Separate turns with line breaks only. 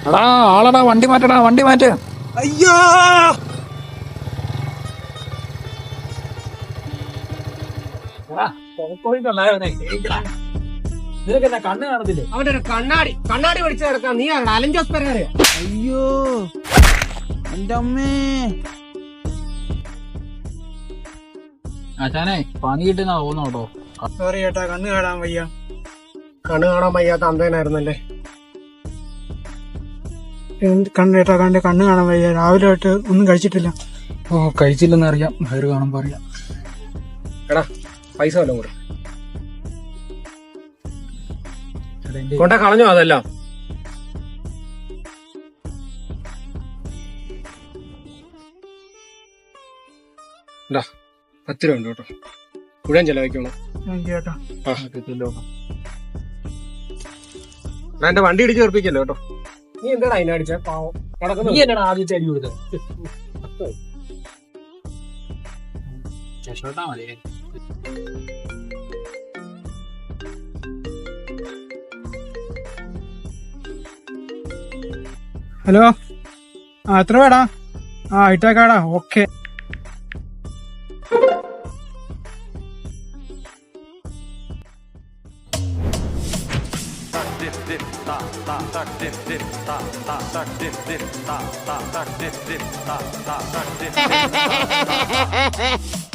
എടാ ആളടാ, വണ്ടി മാറ്റടാ, വണ്ടി മാറ്റ്.
അയ്യോ
നിനക്ക് എന്നാ കണ്ണ് കാണത്തില്ലേ?
അവന്റെ കണ്ണാടി പഠിച്ചു കിടക്കാം. നീ ആരുടെ? അലൻ ജോസ് പെരേരയോ?
അയ്യോ എന്റെ അമ്മേ.
ആശാനെ പണി കിട്ടുന്ന തോന്നോട്ടോ.
സോറി ചേട്ടാ, കണ്ണ് കാണാൻ വയ്യ. കണ്ണ് കാണാൻ വയ്യാത്ത അന്തേനായിരുന്നല്ലേ. ചേട്ടാ കണ്ണ് കാണാൻ വയ്യ. രാവിലെ ആയിട്ട് ഒന്നും കഴിച്ചിട്ടില്ല.
ഓ കഴിച്ചില്ലെന്ന് അറിയാം, വയറ് കാണുമ്പോ അറിയാം.
എടാ പൈസ വല്ലതും കൂടെ കൊണ്ട കളഞ്ഞോ അതെല്ലാം. എന്താ 10 രൂപ ഉണ്ട് കേട്ടോ. മുഴുവൻ ചെലവഴിക്കണം ചേട്ടാ. എന്റെ വണ്ടി ഇടിച്ച് തീർപ്പിക്കല്ലോ കേട്ടോ. നീ എന്താടാ അതിനടിച്ച പാവം
നീ എന്നാണ് ആദ്യത്തെ അടി കൊടുത്തത്? രക്ഷപ്പെട്ടാ മതി.
ഹലോ, എത്ര വേടാ? ഇട്ടേക്കാടാ. ഓക്കെ.
Ta